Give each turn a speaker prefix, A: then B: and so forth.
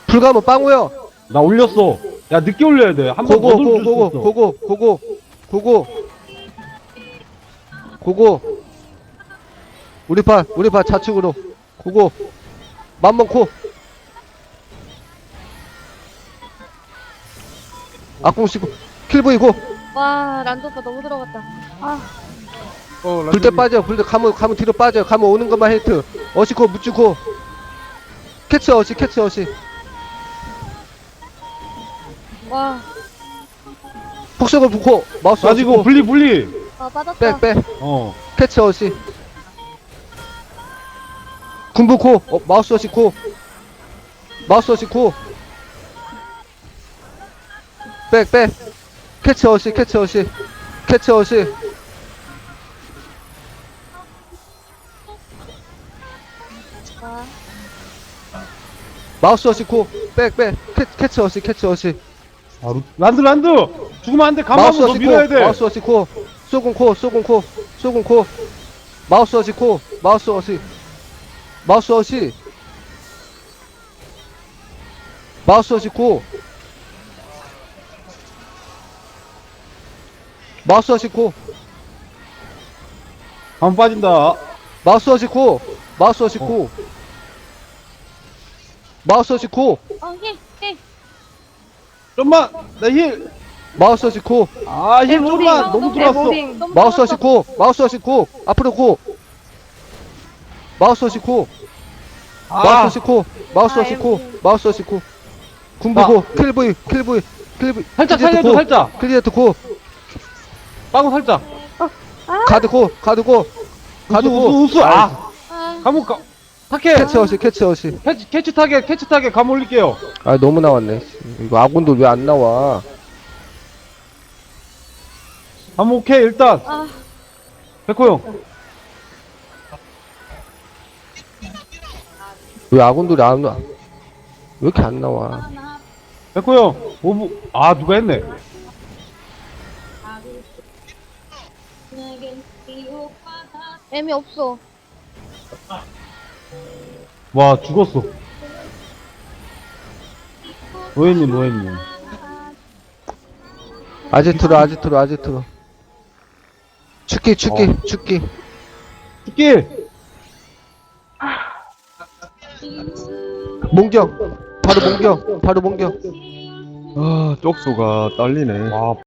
A: 불가면 빵우요.
B: 나 올렸어. 야, 늦게 올려야 돼. 한 번 더
A: 고고
B: 돌릴 수
A: 고고
B: 있어.
A: 고고 고고 고고 고고. 우리 파 좌측으로 고고. 만번코. 악공 씌고 킬브이 고.
C: 와, 란도가 너무 들어갔다. 아,
A: 불때 빠져. 불때 가면 뒤로 빠져. 가면 오는 것만 헤이트. 어시코 묻주고. 캐치 어시.
C: 와,
A: 폭석을 붓고 마우스
B: 가지고
A: 어시고.
B: 분리.
C: 아, 빠졌다.
A: 빼.
B: 어.
A: 캐치 어시. 군부코. 마우스 어시코. 마우스 어시코. 빼. 캐치 어시.
C: 아,
A: 마우스 어시코. 빼. 캐치 어시.
B: 아, 란드. 죽으면 안 돼. 가만
A: 마우스
B: 더 밀어야 돼.
A: 마우스 어시코. 쏘군코. 마우스 어시코. 마우스 어시. 마우스 어시코. 마우스 어시코.
B: 가만 빠진다.
A: 마우스 어시코.
C: 힐.
B: 좀만. 나 힐.
A: 마우스 어시코.
B: 아, 힐 좀만. 너무 들어왔어.
C: 너무
A: 마우스
C: 들어갔다.
A: 어시코. 앞으로 고. 마우스 어시코.
B: 아,
A: 마우스 어시코. 군부고. 킬브이.
B: 살짝 살려줘, 살짝.
A: 클리어트 고.
B: 빵 살짝.
A: 가드 고.
B: 우수. 아,
C: 아,
B: 감옥 가. 타켓.
A: 캐치 어시.
B: 캐치 타겟 감 올릴게요.
A: 아, 너무 나왔네. 이거 아군도 왜 안 나와?
B: 감 오케이, 일단.
C: 아,
B: 백호 형.
A: 왜 아군들이 안 나와? 왜 이렇게 안 나와?
B: 백호 형. 오브. 아, 누가 했네.
C: 애미 없어.
B: 와, 죽었어. 노예님.
A: 아지트로. 축기.
B: 죽기.
A: 몽경. 바로 몽경.
D: 아, 쪽수가 딸리네.
B: 와,